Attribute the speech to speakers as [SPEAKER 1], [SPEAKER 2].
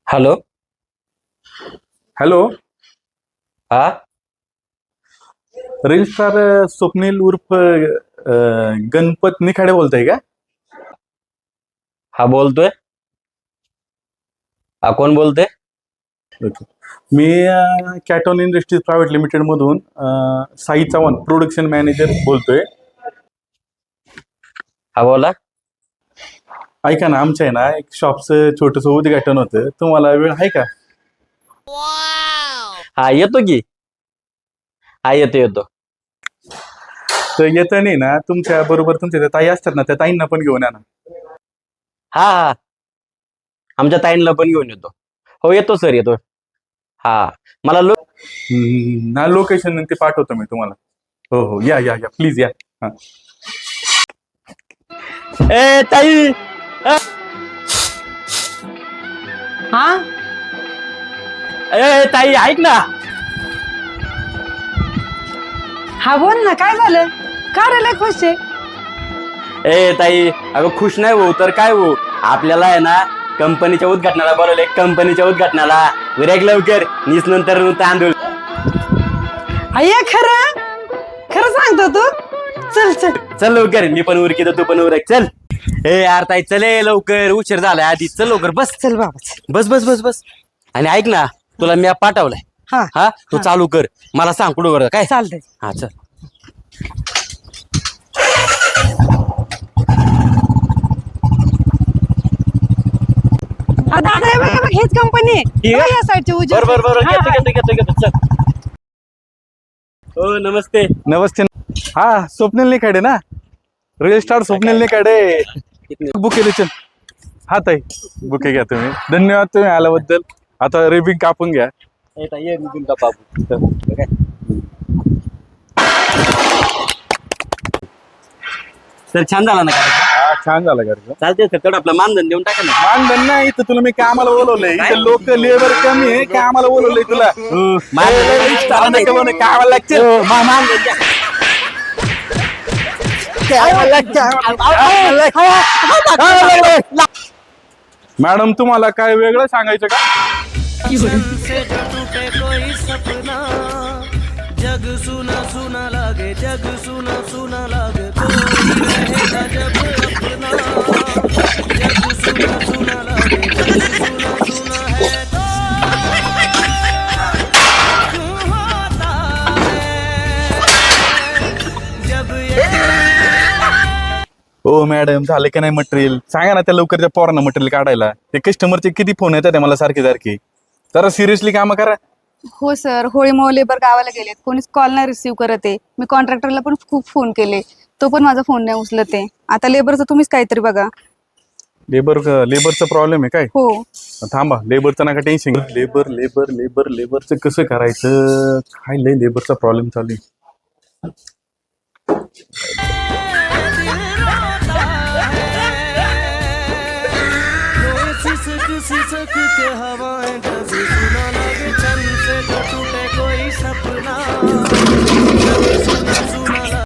[SPEAKER 1] Hello.
[SPEAKER 2] Hello.
[SPEAKER 1] हा.
[SPEAKER 2] Reel star Swapnil उर्फ गणपत निखाडे बोलताय का?
[SPEAKER 1] हा बोलतोय. हा कोण बोलतोय?
[SPEAKER 2] ओके. मी कॅटॉन इंडस्ट्रीज प्रायव्हेट लिमिटेड मधून साई चव्हाण प्रोडक्शन मॅनेजर बोलतोय.
[SPEAKER 1] हा बोला.
[SPEAKER 2] ऐका ना, आमच्या आहे ना एक शॉपचं छोटंसं उद्घाटन होतं, तुम्हाला वेळ आहे का?
[SPEAKER 1] हा येतो की. हा येतो.
[SPEAKER 2] तर येतं नाही ना, तुमच्या बरोबर तुमच्या त्या ताई असतात ना, त्या ताईंना पण घेऊन या ना.
[SPEAKER 1] हा आमच्या ताईंना पण घेऊन येतो. हो येतो सर येतो. हा मला
[SPEAKER 2] ना लोकेशन ते पाठवतो मी तुम्हाला. हो हो, या या या प्लीज या. हा.
[SPEAKER 1] ए ताई.
[SPEAKER 3] हा
[SPEAKER 1] ए ताई ऐक ना.
[SPEAKER 3] हा बोल ना, काय झालं? का रे लय खुश आहे?
[SPEAKER 1] ए ताई अगं खुश नाही हो तर काय हो, आपल्याला आहे ना कंपनीच्या उद्घाटनाला बोलवले. कंपनीच्या उद्घाटनाला विरायक लवकर नीस नंतर तांदूळ.
[SPEAKER 3] अय्या खरं खरं सांगतो तू? चल चल
[SPEAKER 1] चल लवकर, मी पण उरकी तू पण उरक. चल. ए यार ताई चले लवकर, उशीर झालाय आधी. चल लवकर बस.
[SPEAKER 3] चल बाबा चल.
[SPEAKER 1] बस. आणि ऐक ना, तुला मी पाठवलाय.
[SPEAKER 3] हा
[SPEAKER 1] हा तू चालू कर, मला सांग कुठं कर काय.
[SPEAKER 3] चालतंय.
[SPEAKER 1] हा चल.
[SPEAKER 3] दादा हे बघ हेच कंपनी आहे.
[SPEAKER 1] आहे?
[SPEAKER 3] या साईडची उजवी
[SPEAKER 1] बरोबर
[SPEAKER 3] side. हा,
[SPEAKER 1] घेतो चल. हो नमस्ते.
[SPEAKER 2] नमस्ते. हा स्वप्नील निखाडे ना, reel star Swapnil Nikhade. Bouquet दे चल. हा ताई, बुके घ्या तुम्ही. धन्यवाद तुम्ही आल्याबद्दल. आता रिबिंग कापून घ्या.
[SPEAKER 1] ए ताई, ये मी तुमचा बाबू. काय? सर छान झाला ना कार्यक्रम?
[SPEAKER 2] हा, छान झाला कार्यक्रम.
[SPEAKER 1] चालते सर, तेवढं आपलं मानधन देऊन टाका ना.
[SPEAKER 2] मानधन नाही, इथं तुला मी कामाला बोलवलंय. इथं लोक लेबर कमी आहे, कामाला बोलवलंय तुला. कामाला लागते.
[SPEAKER 1] मानधन द्या.
[SPEAKER 2] मॅडम तुम्हाला काय वेगळं सांगायचं का?
[SPEAKER 4] से जो टूटे कोई सपना, जग सुना सुना लागे, जग सुना सुना लागे, कोई रहेगा जब अपना, जग सुना सुना लागे, जग सुना सुना है तो क्यों होता है जब ये
[SPEAKER 2] हो मॅडम, झालं की नाही मटेरियल? सांगा ना त्या लवकर त्या पोरांना मटेरियल काढायला. ते कस्टमरचे किती फोन येतात ते मला सारखे. जरा सिरियसली काम करा.
[SPEAKER 5] हो सर, होळीमुळे लेबर गावाला गेलेत, कोणीच कॉल नाही रिसीव्ह करत आहे. मी कॉन्ट्रॅक्टरला पण खूप फोन केले, तो पण माझा फोन नाही उचलत आहे. आता लेबरचं तुम्हीच काहीतरी बघा.
[SPEAKER 2] लेबरचा प्रॉब्लेम आहे काय?
[SPEAKER 5] हो
[SPEAKER 2] थांबा, लेबरचं नका टेन्शन. लेबरचं कसं करायचं? काय लय लेबरचा प्रॉब्लेम चालू आहे.
[SPEAKER 4] दिल रोता है, कोई सिसक सिसक के हवा